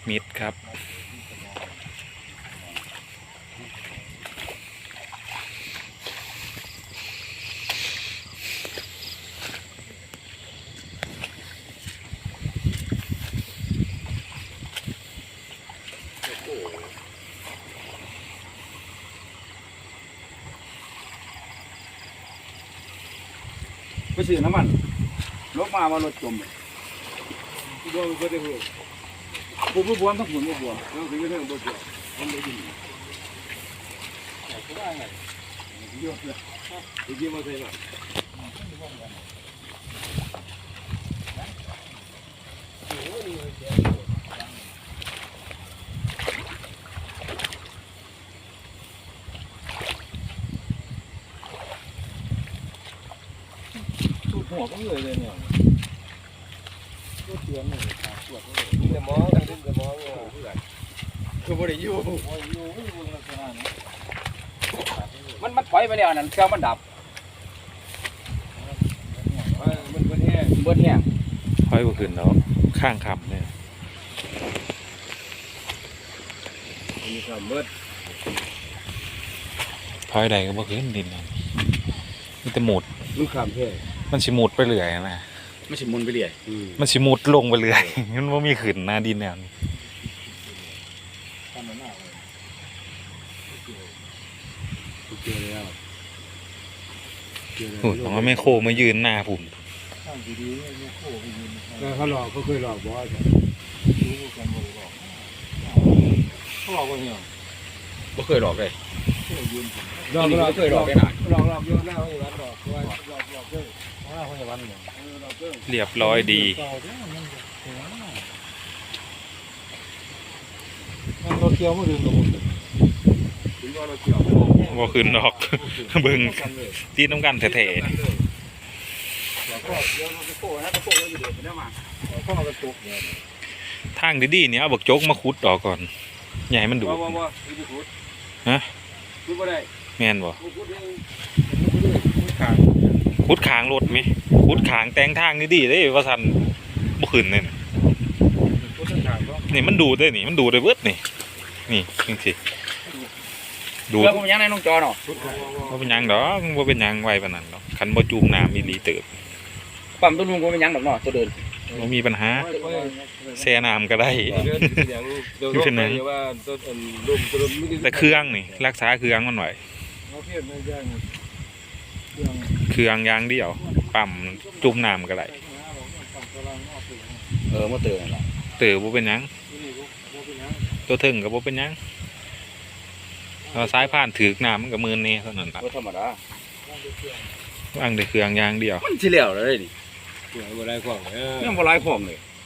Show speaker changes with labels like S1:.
S1: มิดครับ
S2: ไปซื้อน้ำมันรถมาว่ารถจมบวมก็ได้หัวผมบวมทั้งหุ่นบวมแล้วถึงจะเรื่องบวมมันไม่ดีแต่ก็ได้ไงเยอะเลยจริงๆมาใช่ไหมหัวก็เลยเนี่ยตัวเตือนเลยตรวจเลยจะมองกันจะมองคือบ่ได้อยู่มันถอยไปแล้วนั่นเครื่องมันดับมันเบิดแห้ง
S1: ถอยบ่ขึ้นแล้วข้างคำเนี่ย
S2: มีความเบิด
S1: ถอยใดก็บ่ขึ้นดินมันจะหมุด
S2: มันข้ามแท้
S1: มันสิหมุดไปเรื่อยนะ
S2: มันสิมุนไปเรื่อย
S1: มันสิหมุดลงไปเรื่อยมันบ่มีขึ้นหน้าดินแนวนี้โอ้ยผมว่าแม่โคมายืนหน้าผม
S2: เขาหลอกเขาเคยหลอกบอสเขาหลอกว่าเนี่ยไม่เคยหลอกเลยหลอกเคยหลอกไปหน่อยหลอกเยอะหน้าเขาอยู่วันหลอกเยอะหน้าเขาอยู่วันเนี่ย
S1: เรียบร้อยดี
S2: รถเกี่ยวไม่ดึงตัว
S1: บ่ขึ้นดอกเบิ่งตีน้ำกันแท้ๆทางดีๆเนี่ยเอาบักโจกมาขุดออกก่อนใหญ่มันดูฮะแม่นบ่ขุดขางรถมั้ยขุดขางแต่งทางดีๆเด้ว่าซั่นบ่ขึ้นเลยนี่มันดูได้นี่มันดูได้เบิดนี่จังซี่ดู
S2: แล้วผมยังในน้องจอเนาะ
S1: บ่เป็นหยังดอกบ่เป็นหยังไว้ปานนั้นดอกคันบ่จุ่มน้ำอีหลีเติบ
S2: ปั๊มต้นลุงก็เป็นหยังดอกเนาะตัวเดิน
S1: บ่มีปัญหาแช่น้ำก็ได้คือนั้นแต่เครื่องนี่รักษาเครื่องมันไว้เครื่องอย่างเดียวปั๊มจุ่มน้ำก็ได้
S2: มาเตือนล่ะ
S1: เติบบ่เป็นหยังตัวถึงก็บ่เป็นหยังสายผ่านถือน้ำมันกับมือนี่เท่านั้นครับ
S2: ธรรมดา
S1: วางแต่เครื่องยางเดียว
S2: มันสิเหลวเลยนี่บ่ไร้ของยังบ่ไร้ของเลย